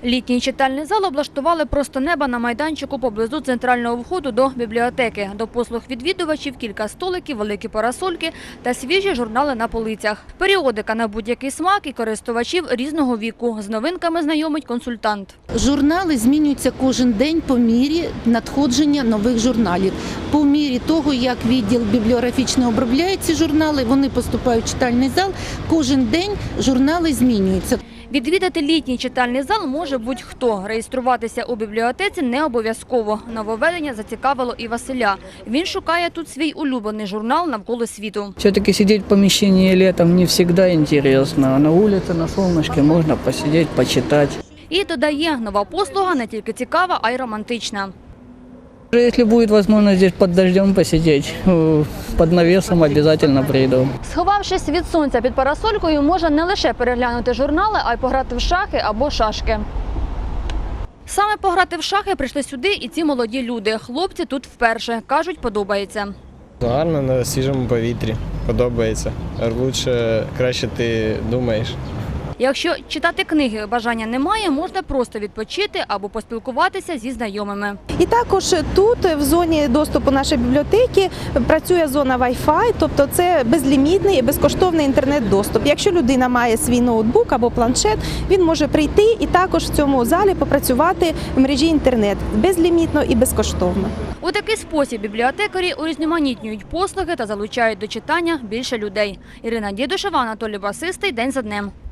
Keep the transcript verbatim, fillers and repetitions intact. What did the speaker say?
Літній читальний зал облаштували просто неба на майданчику поблизу центрального входу до бібліотеки. До послуг відвідувачів кілька столиків, великі парасольки та свіжі журнали на полицях. Періодика на будь-який смак і користувачів різного віку. З новинками знайомить консультант. Журнали змінюються кожен день по мірі надходження нових журналів. По мірі того, як відділ бібліографічний обробляє ці журнали, вони поступають в читальний зал, кожен день журнали змінюються. Відвідати літній читальний зал може будь-хто. Реєструватися у бібліотеці не обов'язково. Нововведення зацікавило і Василя. Він шукає тут свій улюблений журнал «Навколо світу». Все-таки сидеть в помещении летом не всегда интересно. А на улице, на солнышке можно посидеть, почитать. І додає, нова послуга не тільки цікава, а й романтична. Если будет возможность здесь под дождем посидеть, э, под навесом обязательно приду. Сховавшись від сонця під парасолькою, можна не лише переглянути журнали, а й пограти в шахи або шашки. Саме пограти в шахи прийшли сюди і ці молоді люди. Хлопці тут вперше. Кажуть, подобається. Гарно, на свіжому повітрі. Подобається. Лучше, краще ти думаєш. Якщо читати книги бажання немає, можна просто відпочити або поспілкуватися зі знайомими. І також тут, в зоні доступу нашої бібліотеки, працює зона Wi-Fi, тобто це безлімітний і безкоштовний інтернет-доступ. Якщо людина має свій ноутбук або планшет, він може прийти і також в цьому залі попрацювати в мережі інтернет безлімітно і безкоштовно. У такий спосіб бібліотекарі урізноманітнюють послуги та залучають до читання більше людей. Ірина Дідушева, Анатолій Басистий. День за днем.